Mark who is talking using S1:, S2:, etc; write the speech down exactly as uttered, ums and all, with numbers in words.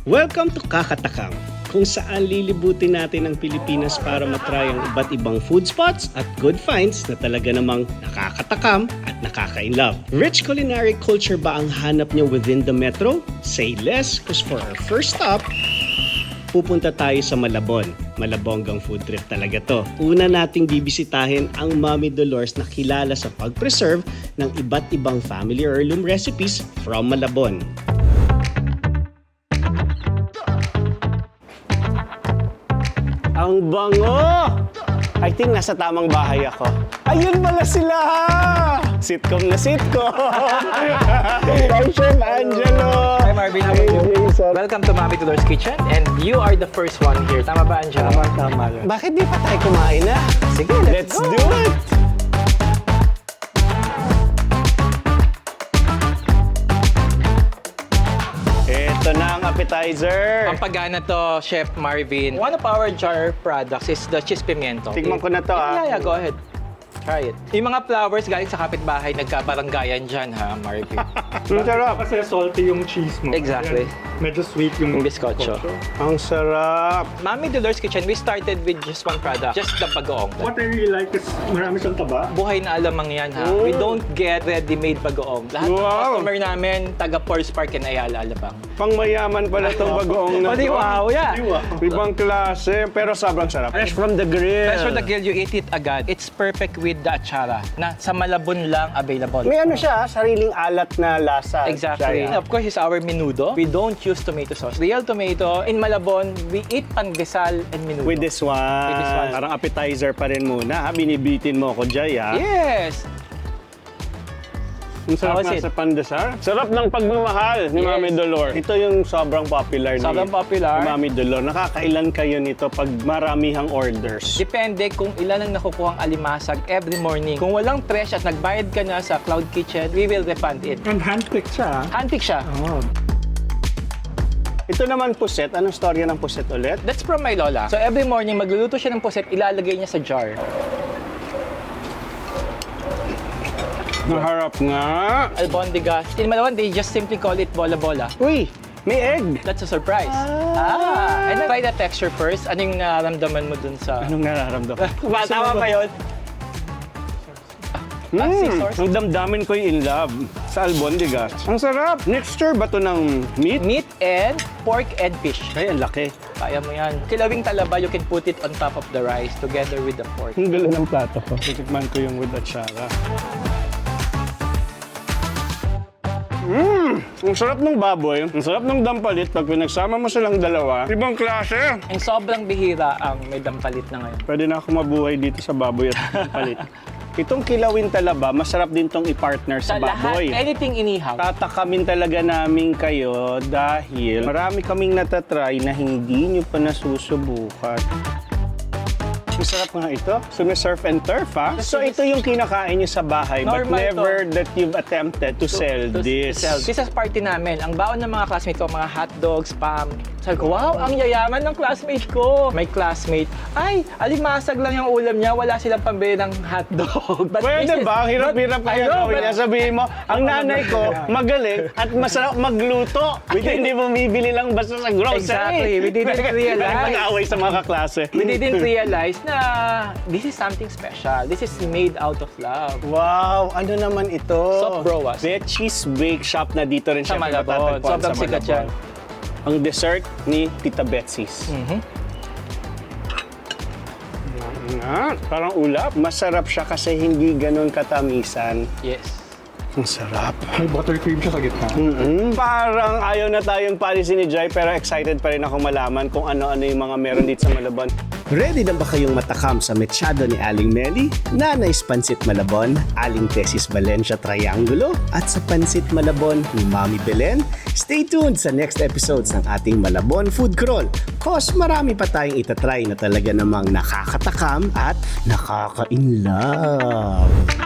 S1: Welcome to Kakatakam, kung saan lilibutin natin ang Pilipinas para matry ang iba't ibang food spots at good finds na talaga namang nakakatakam at nakaka-inlove. Rich culinary culture ba ang hanap nyo within the metro? Say less, because for our first stop, pupunta tayo sa Malabon. Malabonggang food trip talaga to. Una nating bibisitahin ang Mami Dolores na kilala sa pag-preserve ng iba't ibang family heirloom recipes from Malabon. Ang bango! I think nasa tamang bahay ako. Ayun pala sila! Sitcom na sitcom! Hi, Chef Angelo!
S2: Hi, Marvin. How are you? Welcome to Mami Dolores Kitchen, and you are the first one here. Tama ba, Angelo?
S1: Tama, tama. Bakit di pa tayo kumain na?
S2: Sige, let's,
S1: Let's
S2: go.
S1: do it! Ito na ang appetizer.
S2: Ang pagana to, Chef Marvin. One of our jar products is the cheese pimiento.
S1: Tikman ko na to, ah.
S2: Yeah, yeah, go ahead. Try it. Yung mga flowers galing sa kapitbahay, nagkabaranggayan dyan, ha, Marvin?
S1: Ang sarap.
S3: Kasi salty yung cheese mo.
S2: Exactly.
S3: Ayan, medyo sweet yung
S2: Yung bizcocho.
S1: Ang sarap.
S2: Mami Dolores Kitchen, we started with just one product, just the bagoong.
S3: What I really like is marami siyang taba.
S2: Buhay na alamang yan, ha? We don't get ready-made bagoong. Lahat ng
S1: Wow.
S2: customer namin, taga Forest Park and Ayala, Alabang.
S1: Pangmayaman pala itong bagoong na
S2: Pati
S1: to.
S2: wow, yeah.
S1: Ibang klase, pero sobrang sarap. Fresh from the grill.
S2: Fresh from the grill, you eat it agad. It's perfect with the achara na sa Malabon lang available.
S1: May ano siya, sariling alat na lasa.
S2: Exactly.
S1: Siya.
S2: Of course, it's our menudo. We don't use tomato sauce. Real tomato. In Malabon, we eat pandesal and menudo.
S1: With this one.
S2: With this one.
S1: Parang appetizer pa rin muna, ha? Binibitin mo ako, Jay, ha?
S2: Yes!
S1: Ang sarap
S2: How was
S1: nga
S2: it?
S1: sa pandesal. Sarap ng pagmamahal ni
S2: Yes.
S1: Mami Dolores. Ito yung sobrang popular
S2: Sobrang
S1: ni
S2: popular.
S1: ni Mami Dolores. Nakakailan kayo nito pag maramihang orders?
S2: Depende kung ilan ang nakukuhang alimasag every morning. Kung walang fresh at nagbayad ka na sa Cloud Kitchen, we will refund it.
S3: And handpicked siya.
S2: Handpick siya.
S3: Oh.
S1: Ito naman puset. Anong storya ng puset ulit?
S2: That's from my lola. So every morning, magluluto siya ng puset, ilalagay niya sa jar.
S1: Naharap nga.
S2: Albondigas. In Malabon, they just simply call it bola-bola.
S1: Uy, may egg.
S2: That's a surprise. Ah. And then try the texture first. Ano yung nararamdaman mo dun sa...
S1: Anong nararamdaman?
S2: Tama ba yun? Ah, sea
S1: Mm,
S2: sauce?
S1: ang damdamin ko yung in love sa albondigas. Ang sarap. Mixture ba to ng meat?
S2: Meat and pork and fish.
S1: Ay, ang laki.
S2: Kaya mo yan. Kilawing talaba, you can put it on top of the rice together with the pork.
S1: Ang gala ng plato ko. Titikman ko yung with achara. Mmm! Ang sarap ng baboy. Ang sarap ng dampalit. Pag pinagsama mo silang dalawa, ibang klase.
S2: And sobrang bihira ang may dampalit na ngayon.
S1: Pwede na ako mabuhay dito sa baboy at dampalit. Itong kilawin talaba, masarap din tong i-partner sa,
S2: Sa lahat,
S1: baboy.
S2: anything inihaw.
S1: Tatakamin talaga namin kayo dahil marami kaming natatry na hindi nyo pa nasusubukan. Masarap nga ito. So may surf and turf, ha? So ito yung kinakain nyo sa bahay, but
S2: Normal
S1: never
S2: to.
S1: that you've attempted to, sell
S2: To- to
S1: this.
S2: sell. This is party namin. Ang baon ng mga classmate ko, mga hotdogs, spam. Sabi ko, wow, ang yayaman ng classmate ko. May classmate, ay, alimasag lang yung ulam niya, wala silang pambili ng hotdog. But
S1: Pwede
S2: this is-
S1: ba? Hirap-hirap
S2: but-
S1: kaya
S2: I know,
S1: gawin
S2: but-
S1: niya. Sabihin mo, ang nanay ko magaling at masarap magluto. Hindi mo bibili lang basta sa grocery.
S2: Exactly. We didn't realize.
S1: Nag-away sa mga kaklase.
S2: We didn't realize na this is something special. This is made out of love.
S1: Wow, ano naman ito?
S2: Soft broas.
S1: Betsy's Bake Shop na dito rin
S2: Sa
S1: siya
S2: Malabon.
S1: matatagpuan
S2: Sobrang
S1: sa
S2: sikat
S1: Malabon.
S2: yan.
S1: Ang dessert ni Tita Betsy's.
S2: Mhm.
S1: Nga, parang ulap. Masarap siya kasi hindi ganun katamisan.
S2: Yes.
S1: Ang sarap.
S3: May buttercream siya sa gitna.
S1: Mm-mm. Parang ayaw na tayong policy ni Jai pero excited pa rin ako malaman kung ano-ano yung mga meron dito sa Malabon. Ready na ba kayong matakam sa mechado ni Aling Meli, Nanay's Pansit Malabon, Aling Tesis Valencia Triangulo, at sa Pansit Malabon ni Mami Belen? Stay tuned sa next episodes ng ating Malabon Food Crawl. Cause marami pa tayong itatry na talaga namang nakakatakam at nakaka-inlove.